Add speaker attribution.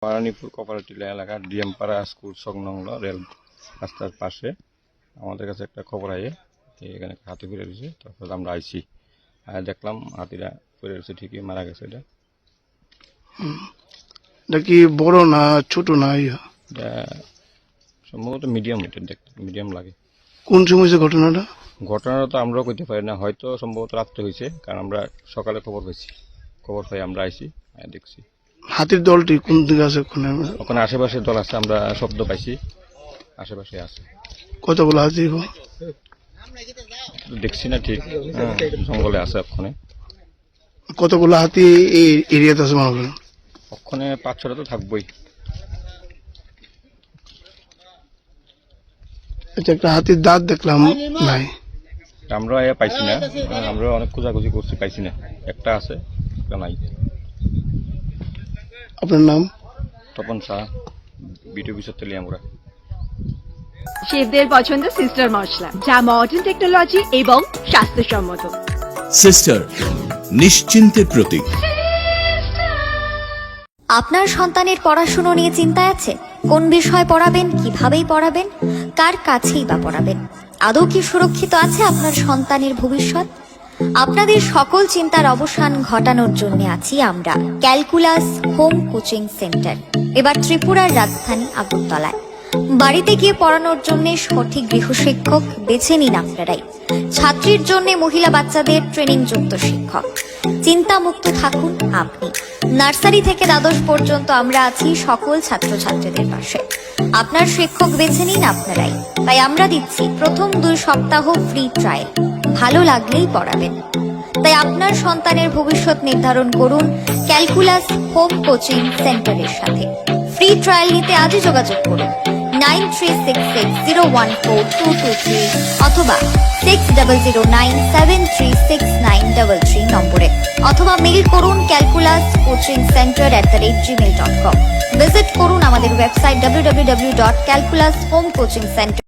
Speaker 1: পারানীপুর cooperative এলাকার ডিএমপাড়া school সংলগ্ন rail রাস্তার পাশে আমাদের কাছে একটা খবর আয়ে যে এখানে হাতি ফিরে রয়েছে। তারপর আমরা আইছি, দেখলাম হাতিরা ফিরে রয়েছে, ঠিকই মারা গেছে।
Speaker 2: এটা কি বড় না ছোট না?
Speaker 1: এটা সম্ভবত মিডিয়াম, এটা দেখতে মিডিয়াম লাগে।
Speaker 2: কোন সময় হয়েছে ঘটনাটা?
Speaker 1: ঘটনাটা তো আমরাও কইতে পারি না, হয়তো সম্ভবত রাত্রে হয়েছে, কারণ আমরা সকালে খবর পাই আমরা আইছি, দেখছি।
Speaker 2: হাতির দলটি কোন দিকে আছে?
Speaker 1: ওখানে আশেপাশে দল আছে, আমরা শব্দ পাইছি, আশেপাশে আছে।
Speaker 2: কতগুলো হাতি?
Speaker 1: দেখছি না ঠিক, জঙ্গলে আছে ওখানে।
Speaker 2: কতগুলো হাতি এই এরিয়াতে আছে মনে করেন?
Speaker 1: ওখানে 5-6টা তো থাকবোই।
Speaker 2: আচ্ছা, একটা হাতির দাঁত দেখলাম নাই,
Speaker 1: আমরা পাইছি না, আমরা অনেক খোঁজাখুঁজি করছি, পাইছি না। একটা আছে, একটা নাই।
Speaker 2: আপনার নাম?
Speaker 1: তপন শাহ, বিটু বিশ্বর তেলিয়ামুড়া।
Speaker 3: শেফদের পছন্দ সিস্টার মশলা, যা মডার্ন টেকনোলজি এবং স্বাস্থ্যসম্মত।
Speaker 4: সিস্টার, নিশ্চিন্তের প্রতীক।
Speaker 5: আপনার সন্তানের পড়াশোনা নিয়ে চিন্তা আছে? কোন বিষয় পড়াবেন, কিভাবেই পড়াবেন, কার কাছেই বা পড়াবেন? আদৌ কি সুরক্ষিত আছে আপনার সন্তানের ভবিষ্যৎ? আপনাদের সকল চিন্তার অবসান ঘটানোর জন্য আছি আমরা, ক্যালকুলাস হোম কোচিং সেন্টার। এবার ত্রিপুরার রাজধানী আগরতলায়। বাড়িতে গিয়ে পড়ানোর জন্য সঠিক গৃহশিক্ষক বেছে নিন আপনারাই। ছাত্রীর জন্য মহিলা বাচ্চাদের ট্রেনিং যুক্ত শিক্ষক। চিন্তামুক্ত থাকুন আপনি। নার্সারি থেকে দ্বাদশ পর্যন্ত আমরা আছি সকল ছাত্রছাত্রীদের পাশে। আপনার শিক্ষক বেছে নিন আপনারাই। তাই আমরা দিচ্ছি প্রথম 2 সপ্তাহ ফ্রি ট্রায়াল, ভালো লাগলেই পড়াবেন। তাই আপনার সন্তানের ভবিষ্যৎ নির্ধারণ করুন ক্যালকুলাস হোম কোচিং সেন্টারের সাথে। ফ্রি ট্রায়াল নিতে আজই যোগাযোগ করুন 9366014223 অথবা 6009736933 নম্বরে, অথবা মেইল করুন calculascoachingcenter@gmail.com। ভিজিট করুন আমাদের ওয়েবসাইট www.calculashomecoachingcenter